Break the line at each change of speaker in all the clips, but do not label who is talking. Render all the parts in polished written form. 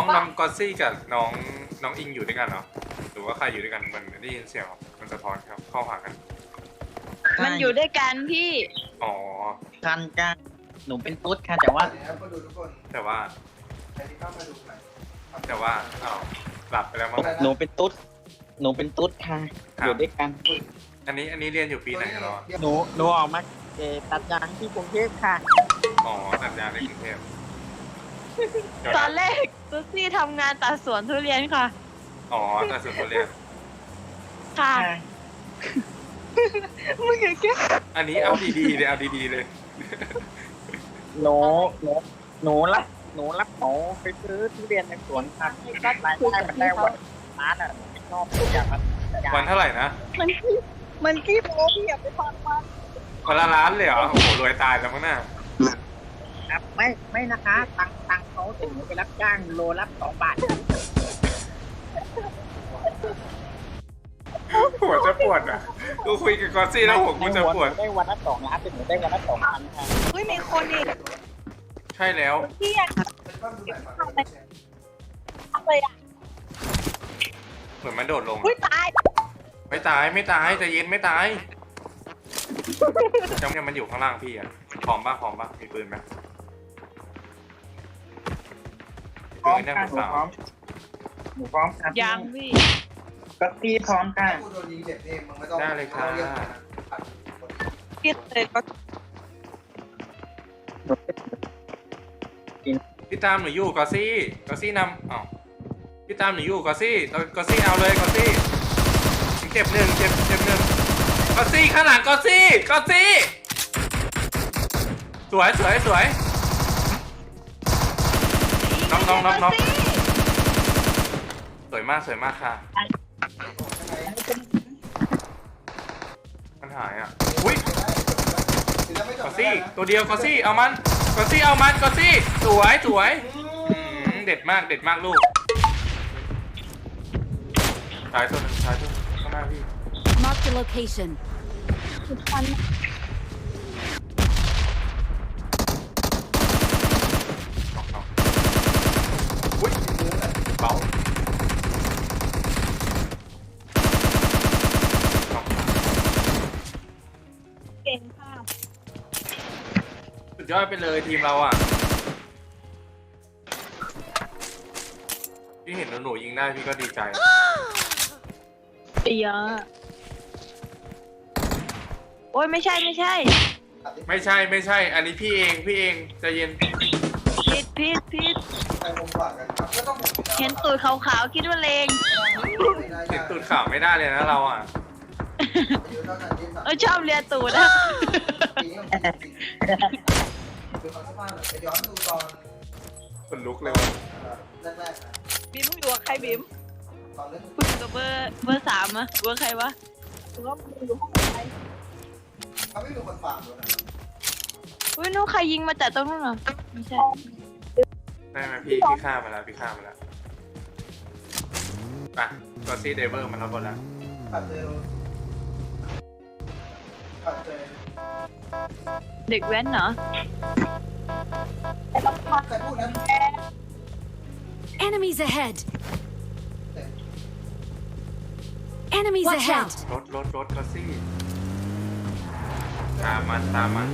องกอซี่กับน้องอิงอยู่ด้วยกันเหรอหรือว่าใครอยู่ด้วยกันมันได้ยินเสียงมันสะท้อนครับเข้าหากัน
มันอยู่ด้วยกันพี่
อ๋อ
คันกันหนูเป็นตุ๊ดค่ะแต่ว่า
ก็ดูทุกคน
แต่ว่า
ใครที่เข้ามาดูหน่อย
แต่ว่าอ้าวหลับไปแล้วมั้ง
หนูเป็นตุ๊ดหนูเป็นตุ๊ดค่ะอยู่ด้วยกัน
อันนี้เรียนอยู่ปีไหนกันแล้วอะ
หนูออกมาตัดยางที่กรุงเทพค่ะ
อ๋อตัดยางในกรุงเทพเดี๋ยว
ตอ
นะ
นแรกซูซี่ทำงานตัดสวนทุเรียนค่ะ
อ๋อตัดสวนทุเรียน
ค่ะ มึงอย่าแก้
อันนี้เอาดีๆเลยเอาดีๆเลย
หนูหนูรับหนูไปซื้อทุเรียนในสวนค่ะรายได้มันได้วันล้านอ่ะหนูไม่ชอบทุกอย่างมัน
วันเท่าไหร่นะ
มันขี้โม้พี่อย่าไปฟังมัน
วันละล้านเลยเหรอโอ้โหรวยตายแล้วมั้งน่ะ
ครับไม่นะคะตังเขาแต่หนูไปรับจ้างโลละ2 บาท
หัวจะปวดอ่ะกูคุยกับกอซี่แล้วหัวกูจะปวด
ได้วันละ2 ล้านแต่หนูได้วันละ2,000ค่ะ
อุ้ยมีคนอีก
ใช่แล้ว
พี่อยาก
เป็นบ้านดูหน่อยฝั่งนี้
ทำเลยอ่ะ
เหมือนมันโดดลง
อุ้ยตาย
ไม่ตายใจเย็นไม่ตายยังมันอยู่ข้างล่างพี่อ่ะพร้อมป่ะมีปืนไหม
พร้อม
ปืนเนี่ย
ค่ะ
มือเปล่า
หนูพร้อมค่ะ
ยังพี่
ก็ตีพร้อมค่ะ
กูโดนยิงเจ็บเองมึงไม่ต้อง
ได้เลยค่ะ
พี่เคยก็
พี่ตามหนูอยู่กอซี่นำอ้าวพี่ตามหนูอยู่กอซี่เอาเลยกอซี่เจ็บหนึ่งกอซี่ข้างหลังกอซี่สวยน้องสวยมากค่ะมันหายอ่ะอุ้ยกอซี่ตัวเดียวกอซี่เอามันสวยเด็ดมากลูกท้ายตัวนึงข้างหน้าพี่
Mark the location.
อุ้ยเบา
เก่งค่ะ
สุดยอดไปเลยทีมเราอ่ะพี่เห็นหนูยิงได้พี่ก็ดีใจ
เยอะโอ้ยไม่ใช่
ไม่ใช่ อันนี้พี่เองใจเย็น
ผิด
ใครคงกว่ากันครับก็ต้องผม
เห็นตูดขาวๆคิดว่าเลง
เห็นตูดข่าวไม่ได้เลยนะเราอ่ะ
ชอบเลียตูดอะ
ดูตอนสภาพหน่อยไปย้อนดูตอน
คนลุกเลยว่ะ
แรกๆนะ
บีมอยู่กับใครบีม
ตอนเล่น
คุณอยู่กับเบอร์3อะเบอร์ใครวะคุณก็อยู่ห้องไหน
เขาไม่มีคนฟังด้วยนะ
อุ้ยนู้นใครยิงมาจากตรงนู้นเหรอไม่ใช่
ได้ไหมพี่ฆ่ามาแล้วไปกอซี่เดเวอร์มันรับหมดแล้ว
ปัดเจอ
เด็กแว้นเหรอ
ใครพูดนะ
Enemies ahead. Enemies
Watch
ahead.
out.
รถกอซี่ตามมัน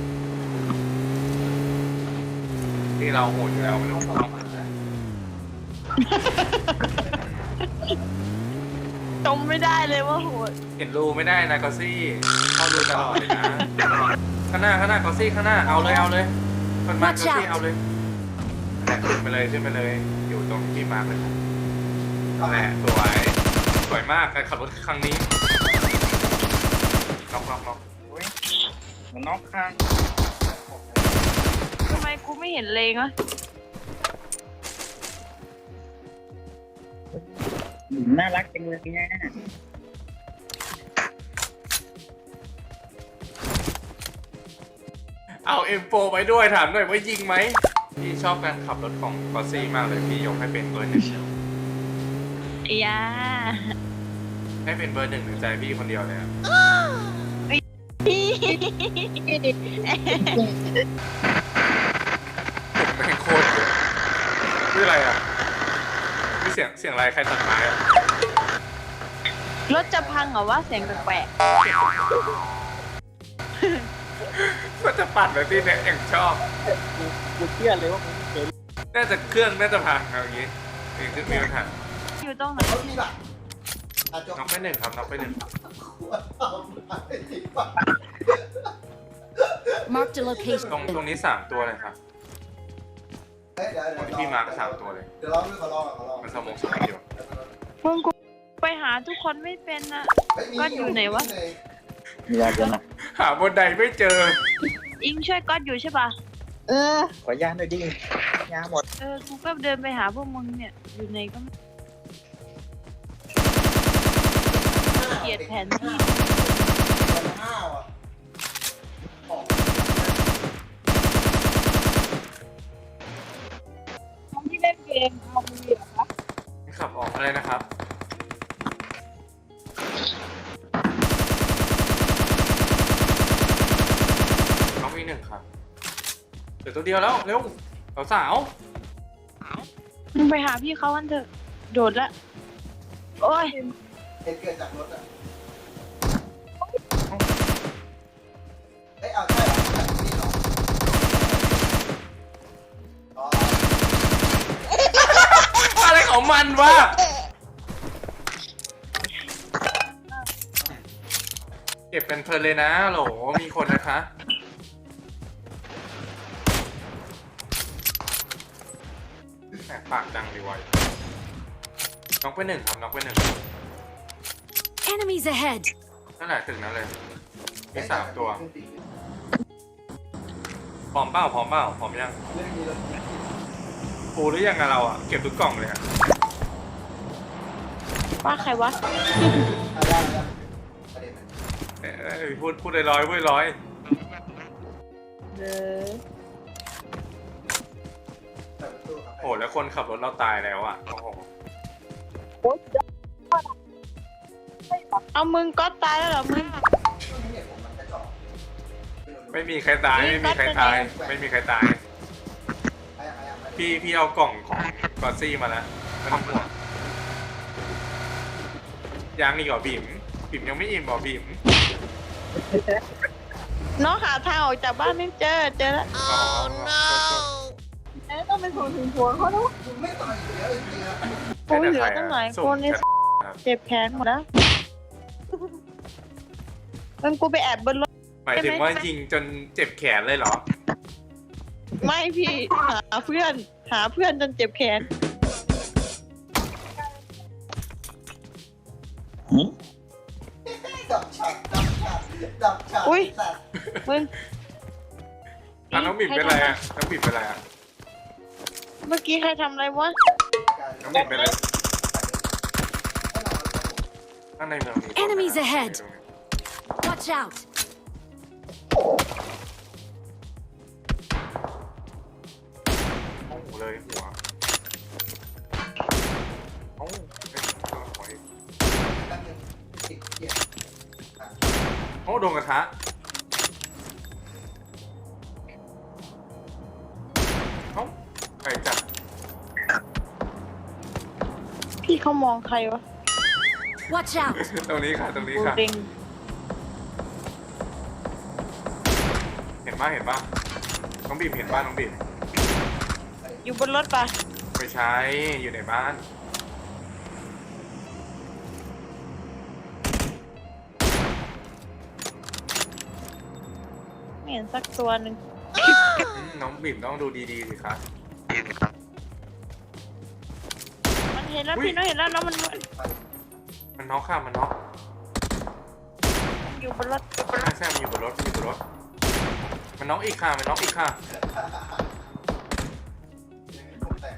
ที่เราโหดอยู่แล้วไม่ต้องฟังมันนะ
จมไม่ได้เลยว่าโหด
เห็นรูไม่ได้นะกอซี่เข้าดูตลอดเลยนะข้างหน้ากอซี่ข้างหน้าเอาเลยคนมากอซี่เอาเลยขึ้นไปเลยอยู่ตรงที่มาร์กเลยแหละสวยมากการขับรถครั้งนี้น็อก
หนูน้องค่ะ
ทำไมกูไม่เห็นเลงวะ
น่ารักจังเลยเนี่ย
เอาM4ไปด้วยถามหน่อยว่ายิงไหมพี่ชอบการขับรถของกอซี่มากเลยพี่ยกให้เป็นเบอร์ 1
ยา
ให้เป็นเบอร์ 1ในใจพี่คนเดียวเลยอะผมแม่งโคตรชื่ออะไรอ่ะเสียงอะไรใครตัดไม้อะ
รถจะพังเหรอวะเสียงแปลก
ก็จะปั่นแบบนี้เนี่ยอย่างชอบ
กูเชื่อเลยว่ามึงเจ๋ง
น่าจะเครื่องน่าจะพังเอาอย่างงี้มีขึ้นมีปัญหา
ๆอยู่ตรงไหน
รถมีหลักอาจจะ
น็อกไปหนึ่งครับน็อกไปหนึ่ง
ควรทำไม่ติดปะ
Marked a
ตรง
location.
นี้3ตัวเลยครับ
เฮ้ยเดี๋ยว
คนที่มาก็3ตัวเลย
เดี๋ยวลองดูขอลองขอลอง
มันสมองสมองอยู่
มึงกูไปหาทุกคนไม่เป็นนะ ก็อยู่ไหนวะ
มีอะไรกันนะ
หาบนใดไม่เจอ
อิงช่วยก๊อตอยู่ใช่ปะ
ขอยาหน่อยดิยาหมด
กูก็เดินไปหาพวกมึงเนี่ยอยู่ไหนก็ไม่เกลียดแผนที่
ห้าวอ่ะออก
ที่เล่นเกมเอามือเหรอคะ
ขับออกอะไรนะครับน้องมีหนึ่งครับเหลือตัวเดียวแล้วเร็วสาว
มึงไปหาพี่เขากันเถอะโดดละโอ้ย
เหตุเกิดจากรถอ่ะเอ้ยเอาใช่เหรอจากนี่เหรออ๋อ
ๆอะไรของมันวะเก็บเป็นเพลินเลยนะโหลมีคนนะคะแหมปากดังดีวะน็อกไปหนึ่งครับน็อกไปหนึ่ง
Enemies ahead.
นั่นแหละถึงนั้นเลยมี3ตัวพร้อมเปล่าพร้อมเปล่าพร้อมยัง
เรื่องนี้เลย
ปูหรือยังอะเราอะเก็บทุกกล่องเลยอะ
ว่าใครวะ
เอาได้ได้ประเด็นมัน
พูดร้อยพูดร้อย
เออ
เปิดประตูครับ
โหแล้วคนขับรถเราตายแล้วอะโอ้โห
เอามึงก๊อตตายแล้วเหรอมึง
ช่วงนี้เนี่ยผมมันกระจอก
ไม่มีใครตายไม่มีใครตายไม่มีใครตาย พี่เอากล่องของกอซี่มาแล้วไม่ต้องห่วงยังอีกเหรอบิ่มยังไม่อิ่มเหรอบิ่ม
น้องหาทางออกจากบ้านไม่เจอแล้ว
อ๋อ
ต้องเป็นของถึงหัวเขาแล้ว
คุณไม่ต่อยอยู่แล้วจริงๆนะ
กูเหลือตั้งหลายคนเลยเจ็บแขนหมดแล้วมันกูไปแอบบนรถ
หมายถึงว่ายิงจนเจ็บแขนเลยเหรอ
ไม่พี่หาเพื่อนจนเจ็บแขน
ดับฉากดับฉาก
อุ๊ย
สัตว์
มึง
น้องบิ่มเป็นไรอะน้องบิ่มเป็นไรอะ
เมื่อกี้ใครทำอะไรวะ
น้องบิ่มเป็นไรข้างในเมืองมี
Enemies ahead. Watch out.
โอ้โหเลยหัวโอ้โห
แป๊บนึงติดเกียร์
โอ้โดนกระทะเอ้าไก่จัด
พี่เขามองใครวะ
Watch out.
ตรงนี้ค่ะตรงนี้
กู
ค่ะ
เด้ง
เห็นป่ะน้องบีมเห็นป่ะน้องบีม
อยู่บนรถปะ
ไม่ใช่อยู่ในบ้าน
ไม่เห็นสักตัวหนึ่ง
น้องบีมต้องดูดีๆสิคะ
มันเห็นแล้วพี่น้องเห็นแล้วแล้วมัน
มันน็อกค่ะมันน็อก
อยู่บนรถ
ใช่มันอยู่บนรถมันน็อกอีกค่ะมันน็อกอีกค่ะ
ผมแตก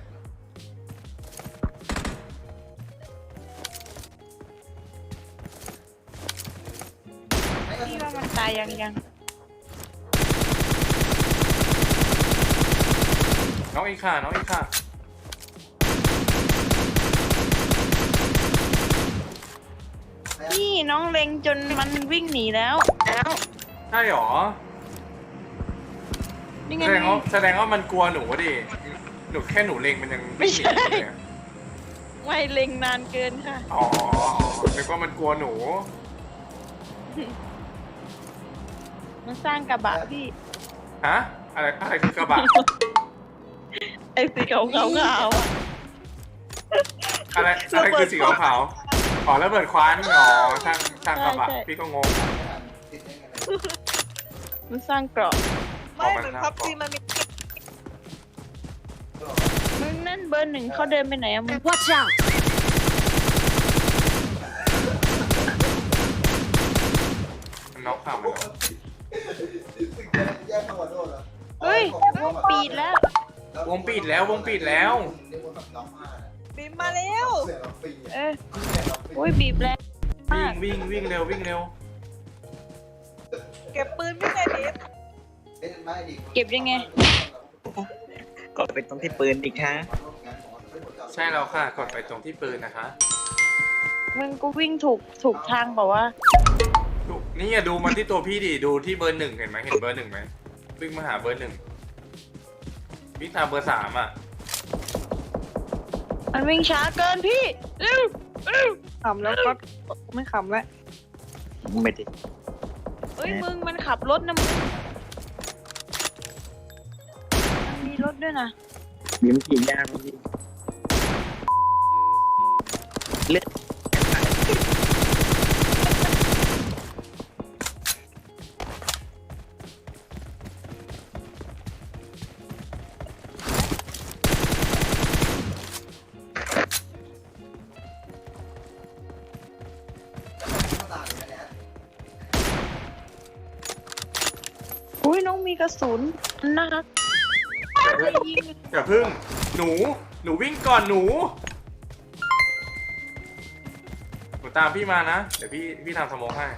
พี่ว่ามันตายยัง
น็อกอีกค่ะน็อกอีกค่ะ
พี่น้องเล็งจนมันวิ่งหนีแล้ว
ใช่หรอ
นี่ไง
แสดงว่ามันกลัวหนูดิหนูแค่หนูเล็งมันยัง
ไม่ใช่
หนีเลยอะ
ไม่เล็งนานเกินค่ะ
อ๋อนึกว่ามันกลัวหนู
มันสร้างกระบะพี่
ฮะอะไรคือกระบะ
ไอ้สีขาวๆอะ
อะไรคือสีขาวๆอ๋อแล้วเบิดคว้านอ๋อช่างกระบะพี่ก็งง
ติดได้ไง
มันสร้างเกราะ
ไม่เหมือนพับจีมันมี
มึงนั่นเบอร์หนึ่งเขาเดินไปไหนอะมึง
Watch out!
มันน็อกข่าวมัน
แยกจังหวัดโดนเหรอ
เฮ้ย วงปีดแล้ว
วงปิดแล้ววงปิดแล้ว
เรียกว่าแบบน้องมา
บินมาแล้ว
เสียงเราปี
เอ้ยอุ้ยบีบแรงมาก
วิ่งเร็ววิ่งเร็ว
เก็บปืนไม่ได้ดิ
เก็บยังไง
ก็เป็นตรงที่ปืนอีกฮะ
ใช่แล้วค่ะกดไปตรงที่ปืนนะคะ
มึงกูวิ่งถูกทางเปล่าวะ
นี่อย่าดูมันที่ตัวพี่ดิดูที่เบอร์หนึ่งเห็นไหมเห็นเบอร์หนึ่งไหมวิ่งมาหาเบอร์หนึ่งวิ่งตามเบอร์สามอ่ะ
มันวิ่งช้าเกินพี่เร็วขำแล้วก็ไม่ขำแล้ว
ไม่ได้
เอ้ยมึงมันขับรถนะมึงมันมีรถด้วยนะ
ยิ้มกินยากจริงเลือด
อุ้ยน้องมีกระสุนนะครับยิง
อย่าพึ่งหนูวิ่งก่อนหนูตามพี่มานะเดี๋ยวพี่ทำสโมองให้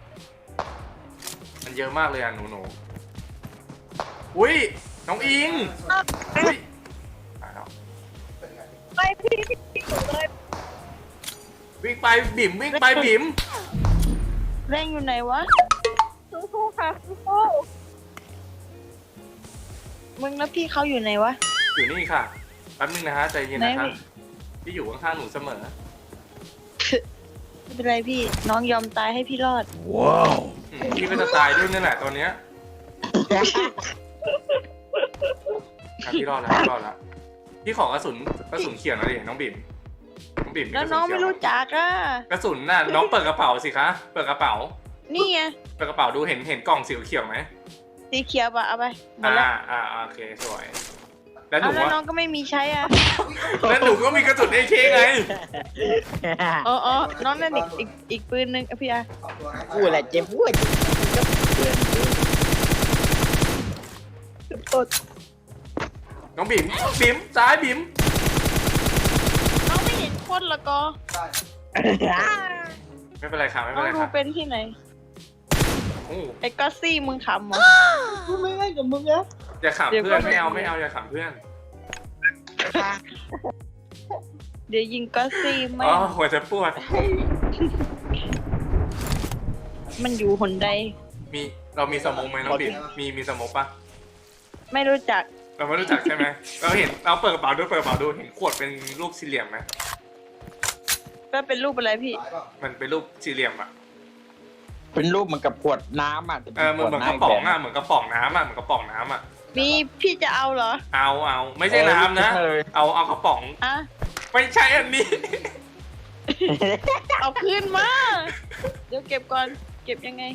มันเยอะมากเลยอ่ะหนูอุ้ยน้องอิงอุ้ยตายแล้ว
ไปพี่อยู่เลย
วิ่งไปบิ่มวิ่งไปบิ่ม
แรงอยู่ไหนวะ
สู้ๆค่ะสู้
มึงแล้วพี่เขาอยู่ไหนวะ
อยู่นี่ค่ะแป๊บนึงนะฮะใจเย็นนะคะ
ไหน
พี่อยู่ข้างๆหนูเสมอ
ไม่เป็นไรพี่น้องยอมตายให้พี่รอด
พี่ก็จะตายด้วยนี่แหละตอนเนี้ยอ่ะพี่รอดแล้วพี่ขอกระสุนเขียวหน่อยดิน้องบิ่มน้องบิ่ม
แล้วน้องไม่รู้จักอ่ะ
กระสุนน่ะน้องเปิดกระเป๋าสิคะเปิดกระเป๋า
นี่ไง
เปิดกระเป๋าดูเห็นกล่องสีเขียวไหม
สีเขียวปะเอาไปหมดแล้ว
โอเคสวยแล้วห
เอา
นู
แล้ว
ว่า
น้องก็ไม่มีใช้อ่ะ
แล้วหนูก็มีกระสุนAKไง
อ๋อน้องนั่นอีกปืนหนึงอ่ะพี่อา
กูแหละเจ็บปวดเพื่อน
น้องบิ่มซ้ายบิ่ม
น้องไม่เห็นคนละก็
ไม่เป็นไรค่ะไม่
น้
เป็
อน ง
ไร
ดู
ค่ะ
เป็นที่ไหน
โอ้
ไอ้ก็ซี่มึงขำเหรอ
ๆกูไม่เล่นกับมึงแล้ว
อย่าขำ
เดี๋ยว
เพื่อน
ก็
ไม่เอาอย่าขำเพื่อน
เดี๋ยวยิงก็ซี่ไม่
อ๋อหัวจะปวด
มันอยู่หนใด
เรามีสโมองไหมน้องบิ่มมีสโมองปะ
ไม่รู้จัก
เราไม่รู้จักใช่ไหมเราเปิดกระเป๋าดูเห็นขวดเป็นรูปสี่เหลี่ยมไหม
ก็เป็นรูปอะไรพี่
มันเป็นรูปสี่เหลี่ยมอ่ะ
เป็นรูปเหมือนกับขวดน้ำอ่ะ
เหมือนกระป๋องอ่ะเหมือนกระป๋องน้ำอ่ะ
มีพี่จะเอาเหรอ
เอาไม่ใช่น้ำนะเอากระป๋อง
อ่ะ
ไม่ใช่อันนี้
เอาคืนมา เดี๋ยวเก็บก่อน เก็บยังไง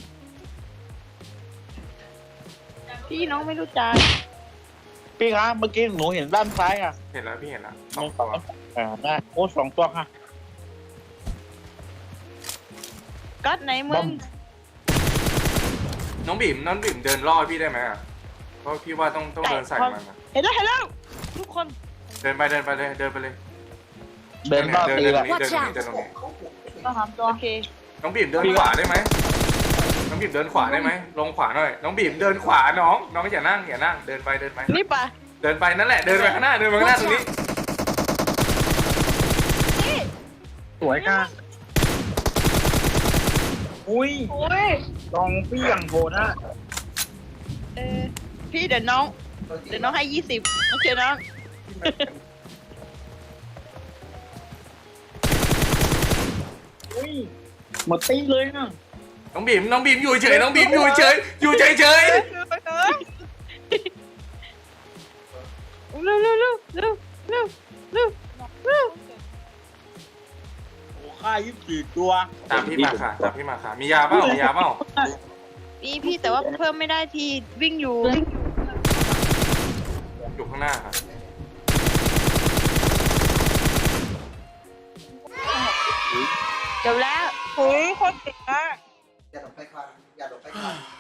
พี่น้องไม่รู้จัก
พี่ครับเมื่อกี้หนูเห็นด้านซ้ายอ่ะ
เห็นแล้วพี่เห็นแล้วส
น้
อ
อง ง
ตัว
ได้โอ้2 ตัวค่ะ
ก๊อตไหนมึ
บอง ม
น้องบิ่มเดินล่อพี่ได้ไหมอ่ะเพราะพี่ว่าต้องเดินใส่มันอะ
เห็นแล้วทุกคน
เดินไปเลย
เดินรอบตีละ
เดินตรงนี้
ก็หามตัวโอเค
น้องบิ่มเดินขวาได้ไหมน้องบิ่มเดินขวาได้ไหมลงขวาหน่อยน้องบิ่มเดินขวาน้องอย่านั่งเดินไป
นี่ปะ
เดินไปนั่นแหละเดินไปข้างหน้าตรงนี้
นี่
สวยค่ะอุ้ย
โอ้ย
ลองพี่อย่างโหดอ่ะ
พี่เดี๋ยวน้องให้20โอเคน้อง
อุ้ยหมดตีเลยนะ
น้องบีมอยู่เฉยน้องบีมอยู่เฉยอยู่เฉยเฉย
ไปเถอะเร็วเร็วเร็วเร็วเร็วเร็วเร็ว
โอ้ค่า24ตัว
ตามพี่มาค่ะตามพี่มาค่ะมียาเปล่ามียาเปล่า
นี่พี่แต่ว่าเพิ่มไม่ได้ทีวิ่งอยู่
อยู่ข้างหน้าค่ะ
จบแล้ว
โอ้ยโคตรเจ๋งอะ
อย่าหลบไปควันอย่าหลบไปควัน